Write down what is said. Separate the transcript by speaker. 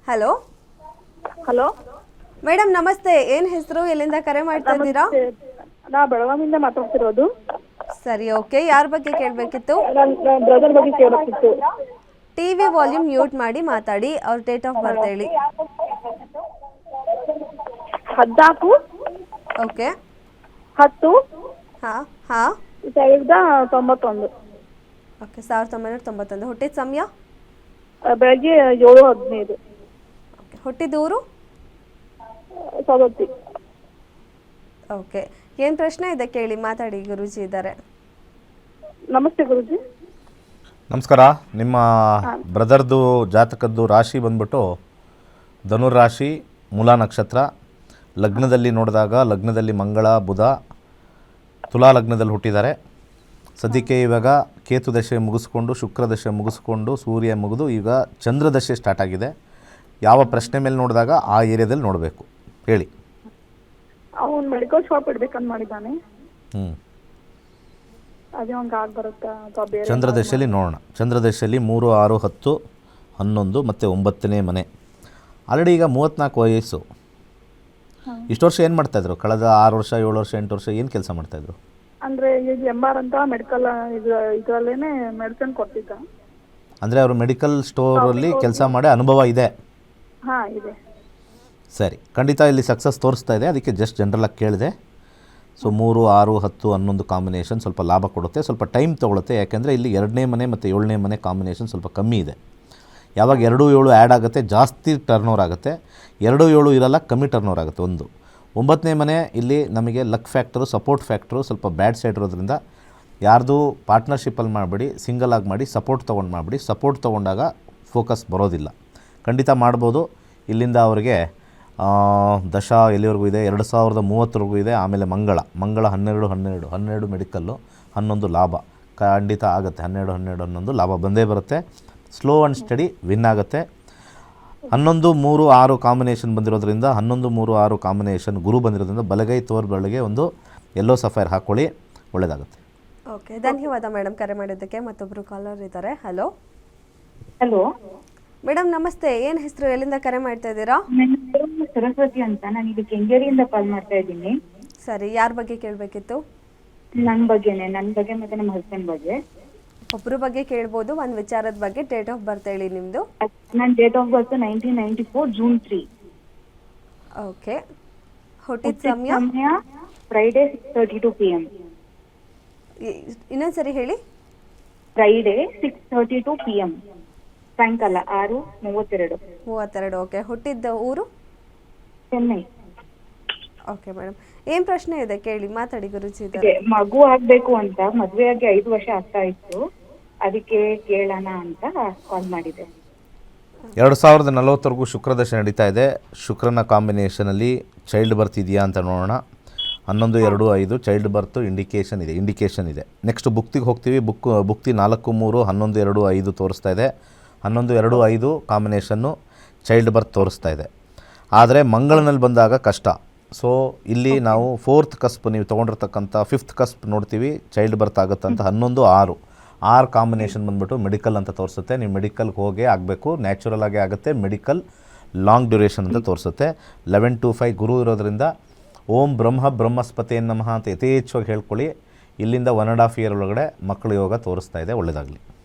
Speaker 1: Hello
Speaker 2: hello
Speaker 1: madam ನಮಸ್ತೆ, ಏನು ಹೆಸರು, ಎಲ್ಲಿಂದ ಕರೆ ಮಾಡ್ತಾ ಇದ್ದೀರಾ?
Speaker 2: ನಾ ಬೆಳಗಾವಿಯಿಂದ ಮಾತಾಡ್ತಿರೋದು.
Speaker 1: ಸರಿ, ಓಕೆ. ಯಾರ ಬಗ್ಗೆ ಕೇಳಬೇಕಿತ್ತು?
Speaker 2: ನನ್ನ ಬ್ರದರ್ ಬಗ್ಗೆ ಕೇಳಬೇಕಿತ್ತು.
Speaker 1: ಟಿವಿ ವಾಲ್ಯೂಮ್ ಮ್ಯೂಟ್ ಮಾಡಿ ಮಾತಾಡಿ. ಅವ್ರ ಡೇಟ್ ಆಫ್ ಬರ್ತ್ ಹೇಳಿ.
Speaker 2: 14
Speaker 1: ಓಕೆ
Speaker 2: 10
Speaker 1: ಹಾಂ ಹಾಂ
Speaker 2: 1991.
Speaker 1: ಓಕೆ, 1991. ಹುಟ್ಟಿದ ಸಮಯ?
Speaker 2: ಬೆಳಗ್ಗೆ 7:15.
Speaker 1: ಓಕೆ, ಹುಟ್ಟಿದ ಊರು?
Speaker 2: ಸವದತ್ತಿ.
Speaker 1: ಓಕೆ, ಏನು ಪ್ರಶ್ನೆ ಇದೆ ಕೇಳಿ, ಮಾತಾಡಿ. ಗುರೂಜಿ ಇದ್ದಾರೆ.
Speaker 2: ನಮಸ್ತೆ ಗುರೂಜಿ.
Speaker 3: ನಮಸ್ಕಾರ. ನಿಮ್ಮ ಬ್ರದರ್ದು ಜಾತಕದ್ದು ರಾಶಿ ಬಂದ್ಬಿಟ್ಟು ಧನುರ್ ರಾಶಿ, ಮೂಲಾ ನಕ್ಷತ್ರ. ಲಗ್ನದಲ್ಲಿ ನೋಡಿದಾಗ ಲಗ್ನದಲ್ಲಿ ಮಂಗಳ ಬುಧ, ತುಲಾ ಲಗ್ನದಲ್ಲಿ ಹುಟ್ಟಿದ್ದಾರೆ. ಸದ್ಯಕ್ಕೆ ಇವಾಗ ಕೇತು ದಶೆ ಮುಗಿಸ್ಕೊಂಡು, ಶುಕ್ರ ದಶೆ ಮುಗಿಸ್ಕೊಂಡು, ಸೂರ್ಯ ಮುಗಿದು ಈಗ ಚಂದ್ರ ದಶೆ ಸ್ಟಾರ್ಟ್ ಆಗಿದೆ. ಯಾವ ಪ್ರಶ್ನೆ ಮೇಲೆ ನೋಡಿದಾಗ ಆ ಏರಿಯಾದಲ್ಲಿ ನೋಡಬೇಕು ಹೇಳಿ.
Speaker 2: ಅವನು ಮೆಡಿಕಲ್ ಶಾಪ್ ಇಡ್ಬೇಕಂತ ಮಾಡಿದ್ದಾನೆ. ಅದೇ ಅವ್ನಿಗೆ ಆಗಿ ಬರುತ್ತಾ ಅಥವಾ ಬೇರೆ?
Speaker 3: ಚಂದ್ರ ದಶೆಯಲ್ಲಿ ನೋಡೋಣ. ಚಂದ್ರ ದಶೆಯಲ್ಲಿ 3, 6, 10, 11 ಮತ್ತು 9ನೇ ಮನೆ. ಆಲ್ರೆಡಿ ಈಗ 34 ವಯಸ್ಸು. ಇಷ್ಟು ವರ್ಷ ಏನು ಮಾಡ್ತಾಯಿದ್ರು? ಕಳೆದ 6 ವರ್ಷ, 7 ವರ್ಷ, 8 ವರ್ಷ ಏನು ಕೆಲಸ ಮಾಡ್ತಾಯಿದ್ರು?
Speaker 2: ಅಂದರೆ ಈಗ MR ಅಂತ ಮೆಡಿಕಲ್ ಇದರಲ್ಲೇ ಮೆಡಿಸಿನ್ ಕೊಡ್ತಿದ್ದ.
Speaker 3: ಅಂದರೆ ಅವರು ಮೆಡಿಕಲ್ ಸ್ಟೋರಲ್ಲಿ ಕೆಲಸ ಮಾಡಿ ಅನುಭವ ಇದೆ?
Speaker 2: ಹಾಂ, ಇದೆ.
Speaker 3: ಸರಿ, ಖಂಡಿತ ಇಲ್ಲಿ ಸಕ್ಸಸ್ ತೋರಿಸ್ತಾ ಇದೆ. ಅದಕ್ಕೆ ಜಸ್ಟ್ ಜನರಲಾಗಿ ಕೇಳಿದೆ. ಸೊ 3, 6, 10, 11 ಕಾಂಬಿನೇಷನ್ ಸ್ವಲ್ಪ ಲಾಭ ಕೊಡುತ್ತೆ, ಸ್ವಲ್ಪ ಟೈಮ್ ತೊಗೊಳುತ್ತೆ. ಯಾಕೆಂದರೆ ಇಲ್ಲಿ 2ನೇ ಮನೆ ಮತ್ತು 7ನೇ ಮನೆ ಕಾಂಬಿನೇಷನ್ ಸ್ವಲ್ಪ ಕಮ್ಮಿ ಇದೆ. ಯಾವಾಗ 2, 7 ಆ್ಯಡ್ ಆಗುತ್ತೆ ಜಾಸ್ತಿ ಟರ್ನೋವರ್ ಆಗುತ್ತೆ. 2, 7 ಇರಲ್ಲ, ಕಮ್ಮಿ ಟರ್ನೋವರ್ ಆಗುತ್ತೆ. 9ನೇ ಮನೆ ಇಲ್ಲಿ ನಮಗೆ ಲಕ್ ಫ್ಯಾಕ್ಟರು, ಸಪೋರ್ಟ್ ಫ್ಯಾಕ್ಟ್ರು ಸ್ವಲ್ಪ ಬ್ಯಾಡ್ ಸೈಡ್ ಇರೋದ್ರಿಂದ ಯಾರ್ದು ಪಾರ್ಟ್ನರ್ಶಿಪ್ಪಲ್ಲಿ ಮಾಡಬೇಡಿ, ಸಿಂಗಲ್ ಆಗಿ ಮಾಡಿ. ಸಪೋರ್ಟ್ ತೊಗೊಂಡು ಮಾಡಿಬಿಡಿ. ಸಪೋರ್ಟ್ ತೊಗೊಂಡಾಗ ಫೋಕಸ್ ಬರೋದಿಲ್ಲ. ಖಂಡಿತ ಮಾಡ್ಬೋದು. ಇಲ್ಲಿಂದ ಅವರಿಗೆ ದಶ ಎಲ್ಲಿವರೆಗೂ ಇದೆ? 2030ವರೆಗೂ ಇದೆ. ಆಮೇಲೆ ಮಂಗಳ 12 ಮೆಡಿಕಲ್ಲು, 11 ಲಾಭ ಖಂಡಿತ ಆಗುತ್ತೆ. 12, 11 ಲಾಭ ಬಂದೇ ಬರುತ್ತೆ. ಸ್ಲೋ ಆ್ಯಂಡ್ ಸ್ಟಡಿ ವಿನ್ ಆಗುತ್ತೆ. 11, 3, 6 ಕಾಂಬಿನೇಷನ್ ಬಂದಿರೋದ್ರಿಂದ 11, 3, 6 ಕಾಂಬಿನೇಷನ್ ಗುರು ಬಂದಿರೋದ್ರಿಂದ ಬಲಗೈ ತೋರ್ಬೆಳಗೆ ಒಂದು ಯೆಲ್ಲೋ ಸಫೈರ್ ಹಾಕ್ಕೊಳ್ಳಿ, ಒಳ್ಳೆಯದಾಗುತ್ತೆ.
Speaker 1: ಓಕೆ, ಧನ್ಯವಾದ ಮೇಡಮ್ ಕರೆ ಮಾಡಿದ್ದಕ್ಕೆ. ಮತ್ತೊಬ್ಬರು ಕಾಲರ್ ಇದ್ದಾರೆ. ಹಲೋ
Speaker 4: ಹಲೋ
Speaker 1: ಮೇಡಮ್ ನಮಸ್ತೆ, ಏನು ಹೆಸರು, ಎಲ್ಲಿಂದ ಕರೆ ಮಾಡ್ತಾ ಇದ್ದೀರಾ?
Speaker 4: ನನ್ನ ಹೆಸರು ಸರಸ್ವತಿ ಅಂತ. ನಾನು ಇದು ಕೆಂಗೇರಿಯಿಂದ ಕಾಲ್ ಮಾಡ್ತಾ ಇದ್ದೀನಿ.
Speaker 1: ಸರಿ, ಯಾರ ಬಗ್ಗೆ ಕೇಳಬೇಕಿತ್ತು?
Speaker 4: ನನ್ನ ಬಗ್ಗೆ ಮತ್ತೆ ನಮ್ಮ ಹಸ್ಬೆಂಡ್ ಬಗ್ಗೆ.
Speaker 1: ಒಬ್ಬರ ಬಗ್ಗೆ ಕೇಳ್ಬೋದು, ಒಂದು ವಿಚಾರದ ಬಗ್ಗೆ. ಡೇಟ್ ಆಫ್ ಬರ್ತ್ ಹೇಳಿ ನಿಮ್ಮದು.
Speaker 4: ನನ್ನ date of birth 1994 June 3.
Speaker 1: Okay, ಹುಟ್ಟಿದ ಸಮಯ?
Speaker 4: Friday 6:32 PM.
Speaker 1: ಇನ್ನೊಂದ್ಸರಿ ಹೇಳಿ.
Speaker 4: ಫ್ರೈಡೆ 6:32 PM, ಸಾಯಂಕಾಲ 6:32.
Speaker 1: ಓಕೆ, ಹುಟ್ಟಿದ್ದ ಊರು?
Speaker 4: ಚೆನ್ನೈ.
Speaker 1: ಓಕೆ ಮೇಡಮ್, ಏನು ಪ್ರಶ್ನೆ ಇದೆ ಕೇಳಿ, ಮಾತಾಡಿ. ಗುರುಜಿ ಇದ್ದಾರೆ.
Speaker 4: ಮಗು ಆಗ್ಬೇಕು ಅಂತ ಮದುವೆಯಾಗಿ 5 ವರ್ಷ ಆಗ್ತಾ ಇತ್ತು, ಅದಕ್ಕೆ ಕೇಳೋಣ ಅಂತ ಕಾಲ್ ಮಾಡಿದೆ.
Speaker 3: 2040ವರೆಗೂ ಶುಕ್ರ ದಶೆ ನಡೀತಾ ಇದೆ. ಶುಕ್ರನ ಕಾಂಬಿನೇಷನಲ್ಲಿ ಚೈಲ್ಡ್ ಬರ್ತ್ ಇದೆಯಾ ಅಂತ ನೋಡೋಣ. 11, 2, 5 ಚೈಲ್ಡ್ ಬರ್ತು ಇಂಡಿಕೇಷನ್ ಇದೆ. ನೆಕ್ಸ್ಟ್ ಬುಕ್ತಿಗೆ ಹೋಗ್ತೀವಿ. ಬುಕ್ತಿ 4, 3, 11, 2, 5 ತೋರಿಸ್ತಾ ಇದೆ. 11, 2, 5 ಕಾಂಬಿನೇಷನ್ನು ಚೈಲ್ಡ್ ಬರ್ತ್ ತೋರಿಸ್ತಾ ಇದೆ. ಆದರೆ ಮಂಗಳನಲ್ಲಿ ಬಂದಾಗ ಕಷ್ಟ. ಸೊ ಇಲ್ಲಿ ನಾವು 4th ಕಸ್ಪ್, ನೀವು ತೊಗೊಂಡಿರ್ತಕ್ಕಂಥ 5th ಕಸ್ಪ್ ನೋಡ್ತೀವಿ, ಚೈಲ್ಡ್ ಬರ್ತ್ ಆಗುತ್ತೆ ಅಂತ. 11, 6 ಕಾಂಬಿನೇಷನ್ ಬಂದ್ಬಿಟ್ಟು ಮೆಡಿಕಲ್ ಅಂತ ತೋರಿಸುತ್ತೆ. ನೀವು ಮೆಡಿಕಲ್ಗೆ ಹೋಗೇ ಆಗಬೇಕು, ನ್ಯಾಚುರಲ್ ಆಗೇ ಆಗುತ್ತೆ. ಮೆಡಿಕಲ್ ಲಾಂಗ್ ಡ್ಯೂರೇಷನ್ ಅಂತ ತೋರಿಸುತ್ತೆ. 11-5 ಗುರು ಇರೋದ್ರಿಂದ ಓಂ ಬ್ರಹ್ಮಸ್ಪತಿ ನಮಃ ಅಂತ ಯಥೇಚ್ಛವಾಗಿ ಹೇಳ್ಕೊಳ್ಳಿ. ಇಲ್ಲಿಂದ 1.5 year ಒಳಗಡೆ ಮಕ್ಕಳ ಯೋಗ ತೋರಿಸ್ತಾ ಇದೆ. ಒಳ್ಳೆಯದಾಗಲಿ.